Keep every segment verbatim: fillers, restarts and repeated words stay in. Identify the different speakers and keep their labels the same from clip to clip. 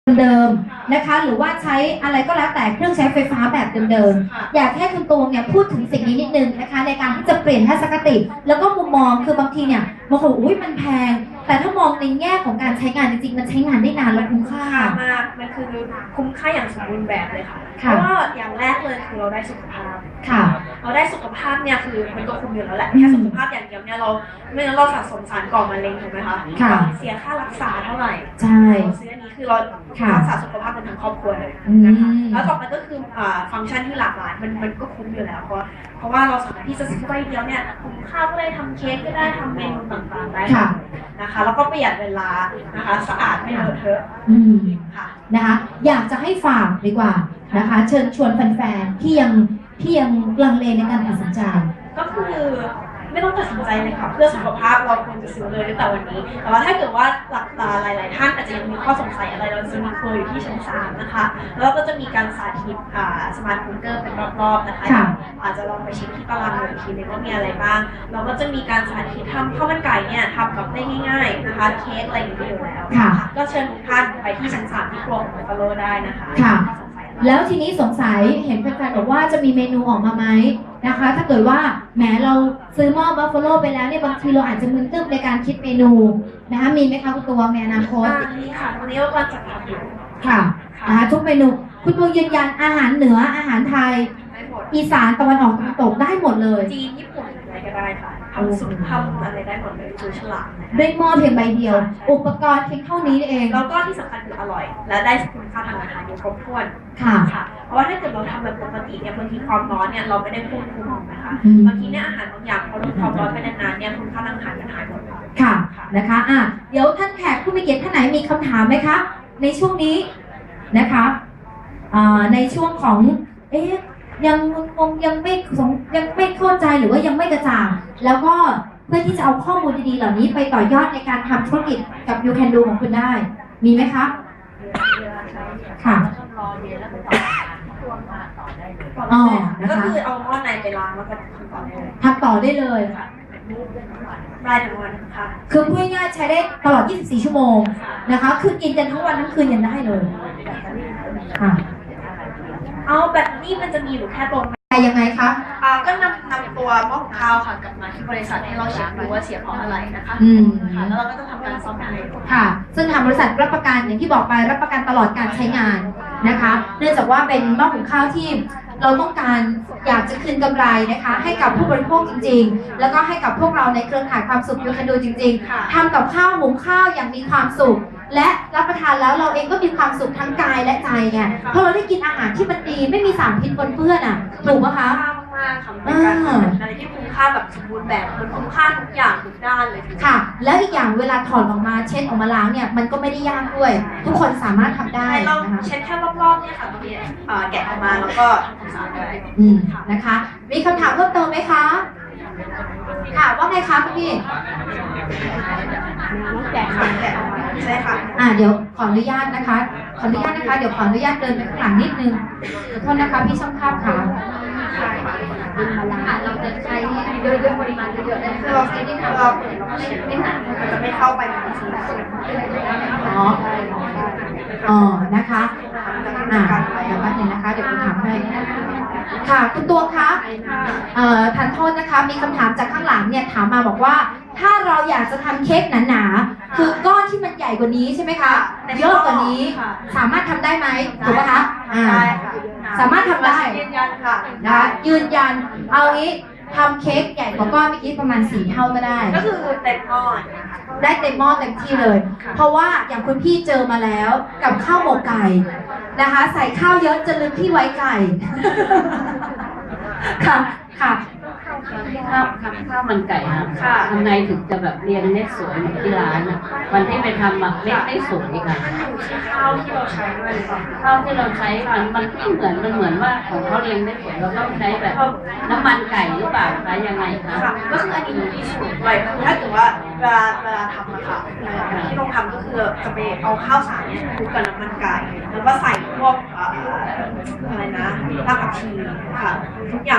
Speaker 1: เดิมนะคะหรือว่าใช้อะไรก็แล้วแต่เครื่องใช้ไฟฟ้าแบบเดิมๆอยากให้คุณตวงเนี่ยพูดถึงสิ่งนี้นิดนึงนะคะในการที่จะเปลี่ยนทัศนคติแล้วก็มุมมองคือบางทีเนี่ยบางคนอุ้ยมันแพงแต่ถ้ามองในแง่ของการใช้งานจริงๆมันใช้งานได้นานและคุ้มค่าม
Speaker 2: ากมันคือคุ้มค่าอย่างสมบูรณ์แบบเลยค่ะเพราะว่าอย่างแรกเลยคือเราได้สุขภาพ
Speaker 1: ค่ะ
Speaker 2: เราได้สุขภาพเนี่ยคือมันก็คุ้มอยู่แล้วแหละแค่สุขภาพอย่างเดียวเนี่ยเราไม่งั้นเราสะสมสารก่อมะเร็งถูกไหมคะเสียค่ารักษาเท่าไหร่
Speaker 1: ใช่
Speaker 2: ซื้ออันนี้คือเรารักษาสุขภาพกันทั้งครอบครัวเลยนะคะแล้วต่อไปก็คือฟังก์ชันที่หลากหลายมันมันก็คุ้มอยู่แล้วเพราะเพราะว่าเราสามารถที่จะซื้อใบเดียวเนี่ยคุ้มค่าก็ได้ทำเค้กก็ได้ทำเมนูต่างๆได้นะคะแล้วก็ประหยัดเวลานะคะสะอาดไม่เลอะเทอะ
Speaker 1: ค่ะนะคะอยากจะให้ฝากดีกว่านะคะเชิญชวนแฟนๆที่ยังที่ยังลังเลในการตัดสินใจ
Speaker 2: ก็คือไม่ต้องตัดสินใจเลยค่ะเพื่อสุขภาพเราควรจะซื้อเลยตั้งแต่วันนี้แต่ว่าถ้าเกิดว่าหลักหลายๆท่านอาจจะยังมีข้อสงสัยอะไรเราจะมีครัวอยู่ที่ชั้นสามนะคะแล้วก็จะมีการสาธิตสมาร์ทคุกเกอร์เป็นรอบๆนะคะอาจจะลองไปเช็คที่ตารางดูอีกทีนึงว่ามีอะไรบ้างเราก็จะมีการสาธิตทำข้าวมันไก่เนี่ยทำแบบได้ง่ายๆนะคะเค้กอะไรอย่างนี้อยู่แล้วก็เชิญทุกท่านไปที่ชั้นสามที่ครัวของบัฟฟาโลได้นะคะ
Speaker 1: แล้วทีนี้สงสัยเห็นแฟนๆบอกว่าจะมีเมนูออกมาไหมนะคะถ้าเกิดว่าแหมเราซื้อหม้อบัฟฟาโลไปแล้วเนี่ยบางทีเราอาจจะมึนตึ๊บในการคิดเมนูนะคะมีไหมคะคุณตวงในอนาคต
Speaker 2: มีค่ะวันนี้เราก็จะทำอยู่
Speaker 1: ค่ะนะคะทุกเมนูคุณตวงยืนยันอาหารเหนืออาหารไทยอีสานตะวันออกตะวันตกได้หมดเลย
Speaker 2: จีนญี่ปุ่นอะไรก็ได้ค่ะทำสุดทำอะไรได้หมดเลยคือฉลาด
Speaker 1: ด้วยหม้อเพียงใบเดียวอุปกรณ์เพียงเท่านี้เอง
Speaker 2: แล้วก็ที่สำคัญคืออร่อยและได้คุณค่าทางอาหารอยู่ครบถ้วน
Speaker 1: ค่ะ
Speaker 2: เพราะว่าถ้าเกิดเราทำแบบปกติเนี่ยบางทีความร้อนเนี่ยเราไม่ได้ควบคุมนะคะบางทีเนี่ยอาหารบางอย่างพอโดนความร้อนไปนานๆเนี่ยคุณค่าทางอาหารมันหายหมด
Speaker 1: ค่ะนะคะอ่ะเดี๋ยวท่านแขกผู้มีเกียรติท่านไหนมีคำถามไหมคะในช่วงนี้นะคะในช่วงของเอ๊ะยังงงยังไม่ยังไม่เข้าใจหรือว่ายังไม่กระจ่างแล้วก็เพื่อที่จะเอาข้อมูลดีๆเหล่านี้ไปต่อยอดในการทำธุรกิจกับ You Can Do ของคุณได้มีไหมคะค่ะ
Speaker 2: อ๋อก็คือเอาหม้อในไปล้างแล้วก็
Speaker 1: ทำต่อได้เลย
Speaker 2: ทำต่อได้เลยค่ะได้ทั้งวันค่ะ
Speaker 1: คือพูดง่ายๆใช้ได้ตลอดยี่สิบสี่ชั่วโมงนะคะคือกินกันทั้งวันทั้งคืนยังได้เลยค่ะ
Speaker 2: เอาแบบนี้มันจะมีอยู่แค่ตัว
Speaker 1: ยังไงคะ
Speaker 2: อ่าก็นำนำตัวหม้อหุงข้าวค่ะกลับมาที่บริษัทให้เราเช็คดูว่าเสียเพราะอะไรนะคะ
Speaker 1: อืม
Speaker 2: ค่ะแล้วเราก็จะทำการซ่อมให้
Speaker 1: ค่ะซึ่งทางบริษัทรับประกันอย่างที่บอกไปรับประกันตลอดการใช้งานนะคะเนื่องจากว่าเป็นหม้อหุงข้าวที่เราต้องการอยากจะคืนกำไรนะคะให้กับผู้บริโภคจริงๆแล้วก็ให้กับพวกเราในเครือข่ายความสุขยูคันดูจริงๆทำกับข้าวหุงข้าวอย่างมีความสุขและรับประทานแล้วเราเองก็มีความสุขทั้งกายและใจไงเพราะเราได้กินอาหารที่มันดีไม่มีสารพิษปนเปื้อนอ่ะถูกไหมคะ
Speaker 2: มากค่ะเป็นการทำอะไรที่คุ้มค่าแบบสมบูรณ์แบบมันคุ้มค่าทุกอย่างทุกด้านเลย
Speaker 1: ค่ะแล้วอีกอย่างเวลาถอดออกมาเช็ดออกมาล้างเนี่ยมันก็ไม่ได้ยากด้วยทุกคนสามารถทำได้
Speaker 2: นะคะเช็ดแค่รอบๆเนี่ยค่ะตรงนี้แกะออกมาแล้วก็ทำความสะอาดได้
Speaker 1: อืมนะคะมีคำถามเพิ่มเติมไหมคะค่ะว่าไงคะคุณพี่
Speaker 2: แกะค่ะแกะออกมาใช่ค่ะ
Speaker 1: อ่าเดี๋ยวขออนุญาตนะคะขออนุญาตนะคะเดี๋ยวขออนุญาตเดินไปข้างหลังนิดนึงขอโทษนะคะพี่ช่างภาพค่ะเราจะใช้เยอะๆปริมาณเยอะๆได้
Speaker 2: คือเราใช้ที่เราไม่ไม่หนาจะไม่เข้าไปในชิ้น
Speaker 1: อ๋ออ๋อนะคะอ่าเดี๋ยวแป๊บนึงนะคะเดี๋ยวคุณถามให้ค่ะคุณตัวคะเอ่อทานโทษนะคะมีคำถามจากข้างหลังเนี่ยถามมาบอกว่าถ้าเราอยากจะทำเค้กหนาๆคือก้อนที่มันใหญ่กว่านี้ใช่ไหมคะเยอะกว่านี้สามารถทำได้ไหมถูกไหมคะอ่าสามารถทำได้
Speaker 2: ยืนยันค่ะ
Speaker 1: นะยืนยันเอางี้ทำเค้กใหญ่กว่าก้อนเมื่อกี้ประมาณสี่เท่าก็ได้
Speaker 2: ก็คือเต็มหม้อ
Speaker 1: ได้เต็มหม้อเต็มที่เลยเพราะว่าอย่างคุณพี่เจอมาแล้วกับข้าวหมกไก่นะคะใส่ข้าวเยอะจะลืมที่ไว้ไก่ค่ะค่ะ
Speaker 3: ข้าวข้าวมันไก่ค่ะทำไงถึงจะแบบเรียงเม็ดสวยเหมือนที่ร้านอ่ะวันที่ไปทำแบบเม็ดได้สวยค่ะ
Speaker 2: ข้าวที่เราใช้ด้วย
Speaker 3: ข้าวที่เราใช้มันมันไม่เหมือนมันเหมือนว่าของเขาเรียงได้สวยเราต้องใช้แบบน้ำมันไก่หรือเปล่าคะยังไงคะ
Speaker 2: ก็คืออันนี้มีสูตรด้วยถ้าเกิดว่าเวลาเวลาทำอะค่ะที่เราทำก็คือจะไปเอาข้าวสารเนี่ยคลุกกับน้ำมันไก่แล้วก็ใส่พวกอะไรนะรากผักชีค่ะทุกอย่าง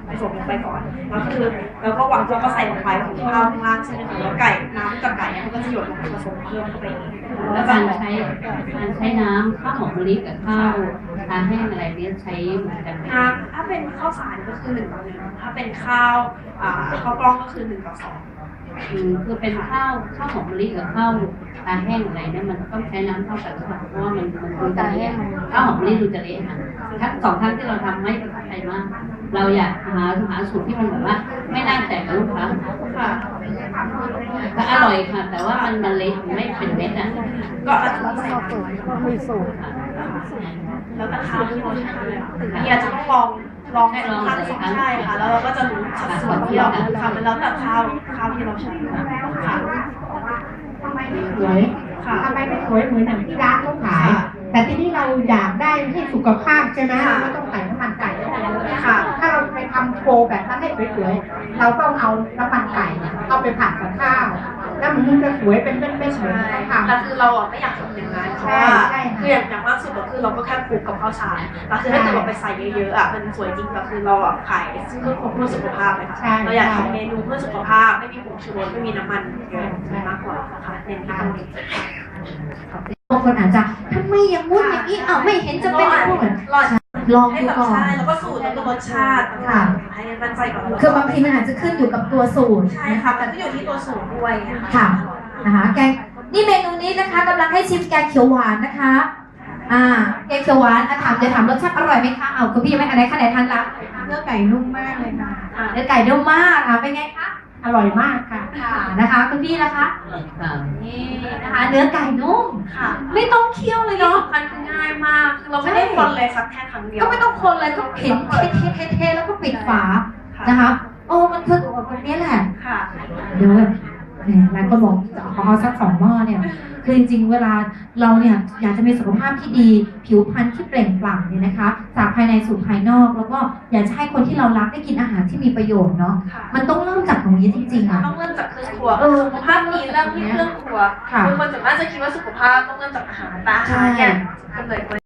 Speaker 2: ผสมลงไปก่อนแล้วคือแล้วก็วางแล้วก็ใส่ลงไปของข้าวข้างล่างใช่ไหมคะแล้วไก่น้ำกับไก่เนี่ยมันก็จะหยดลงไปผสมเพิ่มเข้าไปอีก
Speaker 3: แล้วการใช้การใช้น้ำข้าวหอมมะลิกับข้าวทาแห้งอะไรเนี้ยใช้เหมือนกันไหม
Speaker 2: น้ำถ้าเป็นข้าวสารก็คือหนึ่งต่อหนึ่งถ้าเป็นข้าวอ่าข้าวกล้องก็คือหนึ่งต่อสอง
Speaker 3: อืมคือเป็นข้าวข้าวหอมมะลิกับข้าวตาแห้งอะไรเนี่ยมันต้องใช้น้ำเท่ากันหรือเปล่าเพราะว่ามันมันดูจะเละข้าวหอมมะลิดูจะเละค่ะทั้งสองครั้งที่เราทำไม่ประทับใจมาก เราอยากหาหาสูตรที่มันแบบว่า ไม่น่าแตกกับลูกค้า
Speaker 2: ค่ะ
Speaker 3: ก็อร่อยค่ะ แต่ว่ามันมันเละไม่เป็นเม็ดอ่ะ
Speaker 2: ก็อาจจะต้องใส่น้ำ
Speaker 4: มีสูตร
Speaker 2: แล้วแต่ข้าวที่เราใช้นี่อาจจะต้องลองลองให้ลองสักสองใช่ค่ะแล้วเราก็จะรู้สัดส่วนที่เราทำแล้วแต่ข้าวข้าวที่เราใช้ค่ะ
Speaker 4: ทำไมไม่สวยทำไมไม่สวยเหมือนอย่างที่ร้านเขาขาย แต่ที่นี่เราอยากได้ให้สุขภาพใช่ไหมเราก็ต้องใส่น้ำมันไก่เข้าไปค่ะ ถ้าเราไปทำโชว์แบบนั้นให้สวยๆเราต้องเอาน้ำมันไก่เอาไปผัดกับข้าว แล้วมันจะสวยเป็นเป็นๆเหมือนเขาทำ
Speaker 2: แต่คือเราอ่ะไม่อยากทำอย่างนั้นเพราะว่าคืออย่างอย่างมากสุดก็คือเราก็แค่คลุกกับข้าวสารแต่คือถ้าเกิดเราไปใส่เยอะๆอ่ะมันสวยจริงแต่คือเราอ่ะขายเพื่อเพื่อสุขภาพเลยค่ะเราอยากทำเมนูเพื่อสุขภาพไม่มีผงชูรสไม่มีน้ำมันเยอะมากกว่าค่ะเน้นที่ตรงนี้
Speaker 1: บางคนอาจจะทำไมอย่างงู้นอย่างนี้อ้าวไม่เห็นจะเป็นอย่างนู้นเหมือน
Speaker 2: รอด
Speaker 1: ลอง
Speaker 2: ให้
Speaker 1: ดู
Speaker 2: แบบ
Speaker 1: ก่อน
Speaker 2: ใช่แล้วก็สูตรแล้วก็รสชาติต่างๆให้มั่นใจก่อน
Speaker 1: คือบางทีมันอาจจะขึ้นอยู่กับตัวสูตร
Speaker 2: ใช่ค่ะแต่ก็อยู่ที่ตัวสูตรด้วยนะคะ
Speaker 1: ค่ะนะคะแกงนี่เมนูนี้นะคะกำลังให้ชิมแกงเขียวหวานนะคะอ่าแกงเขียวหวานอ่ะถามจะถามรสชาติอร่อยไหมคะเอาคุณพี่ยังไม่อันไหนคะไหนทานละ
Speaker 4: เนื้อไก่นุ่มมากเลยค่ะ
Speaker 1: อ่าเนื้อไก่นุ่มมากค่ะเป็นไงคะ
Speaker 4: อร่อยมากค่ะ
Speaker 1: ค่ะนะคะคุณพี่นะคะ
Speaker 3: ค่ะ
Speaker 1: นี่นะคะเนื้อไก่นุ่ม
Speaker 2: ค่ะ
Speaker 1: ไม่ต้องเคี่ยวเลย
Speaker 2: ที่
Speaker 1: เนาะ
Speaker 2: สำคัญคือง่ายมากคือเราไม่ได้คนเลยสักแค่ครั้งเดียว
Speaker 1: ก็ไม่ต้องคนเลยก็เข็นเทเทเทเทแล้วก็ปิดฝา
Speaker 2: ค่ะ
Speaker 1: นะคะโอ้มันคือแบบนี้แหละ
Speaker 2: ค่ะ
Speaker 1: เดี๋ยวเนี่ยหลายคนบอกขอเอาสักสองหม้อเนี่ย คือจริงๆ เวลาเราเนี่ยอยากจะมีสุขภาพที่ดี ผิวพรรณที่เปล่งปลั่งเนี่ยนะคะ จากภายในสู่ภายนอก แล้วก็อยากจะให้คนที่เรารักได้กินอาหารที่มีประโยชน์เนาะ
Speaker 2: ค่ะ
Speaker 1: มันต้องเริ่มจากตรงนี้จริงๆอ่ะ
Speaker 2: ต้องเริ่มจากเครื่องครัว
Speaker 1: เออ
Speaker 2: สุขภาพดีเริ่มที่เครื่องครัว
Speaker 1: ค่ะ
Speaker 2: คือคนส่วนมากจะคิดว่าสุขภาพต้องเริ่มจากอาหารแต่อาหารเนี่ยกำเนิดมา